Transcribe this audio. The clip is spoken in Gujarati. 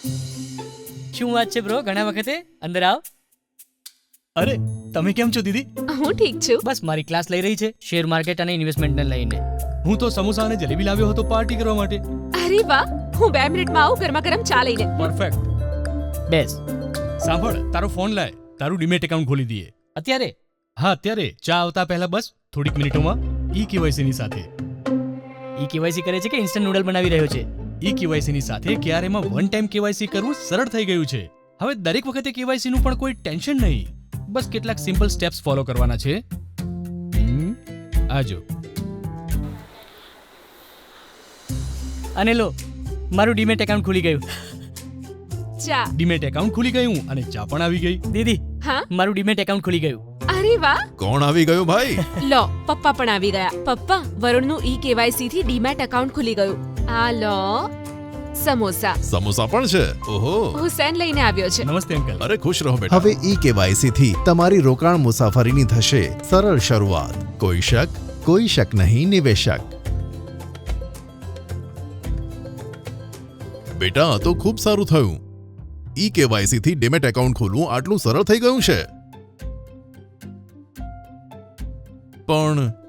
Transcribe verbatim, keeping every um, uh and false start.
શું વાત છે બ્રો, ઘણા વખતે? અંદર આવ. અરે તમે કેમ છો દીદી? હું ઠીક છું. બસ મારી ક્લાસ લઈ રહી છે શેર માર્કેટ અને ઇન્વેસ્ટમેન્ટને લઈને. હું તો સમોસા અને જલેબી લાવ્યો હતો પાર્ટી કરવા માટે. અરે વાહ, હું બે મિનિટમાં આવું ગરમા ગરમ ચા લઈને. પરફેક્ટ. બેસ. સાંભળ, તારો ફોન લાય, તારું ડીમેટ એકાઉન્ટ ખોલી દઈએ. અત્યારે? હા અત્યારે, ચા આવતા પહેલા બસ થોડીક મિનિટોમાં ઈ કેવાયસી ની સાથે. ઈ કેવાયસી કરે છે કે ઇન્સ્ટન્ટ નૂડલ બનાવી રહ્યો છે? ઈ કેવાયસી ની સાથે ક્યારેમાં વન ટાઈમ કેવાયસી કરવું સરળ થઈ ગયું છે. હવે દરેક વખતે કેવાયસી નું પણ કોઈ ટેન્શન નહીં. બસ કેટલાક સિમ્પલ સ્ટેપ્સ ફોલો કરવાના છે. હમ, આજો. અને લો, મારું ડીમેટ એકાઉન્ટ ખુલી ગયું. ચા. ડીમેટ એકાઉન્ટ ખુલી ગયું અને ચા પણ આવી ગઈ. દીદી, હા? મારું ડીમેટ એકાઉન્ટ ખુલી ગયું. અરે વાહ. કોણ આવી ગયું ભાઈ? લો, પપ્પા પણ આવી ગયા. પપ્પા, વરુણનું ઈ કેવાયસી થી ડીમેટ એકાઉન્ટ ખુલી ગયું. આ લો સમોસા. સમોસા પણ છે? ઓહો, હુસેન લઈને આવ્યો છે. નમસ્તે અંકલ. અરે ખુશ રહો બેટા. હવે ઈ કેવાયસી થી તમારી રોકાણ મુસાફરીની થશે સરળ શરૂઆત. કોઈ શક, કોઈ શક નહીં નિવેશક. બેટા આ તો ખૂબ સારું થયું. ઈ કેવાયસી થી ડીમેટ એકાઉન્ટ ખોલવું આટલું સરળ થઈ ગયું છે. પણ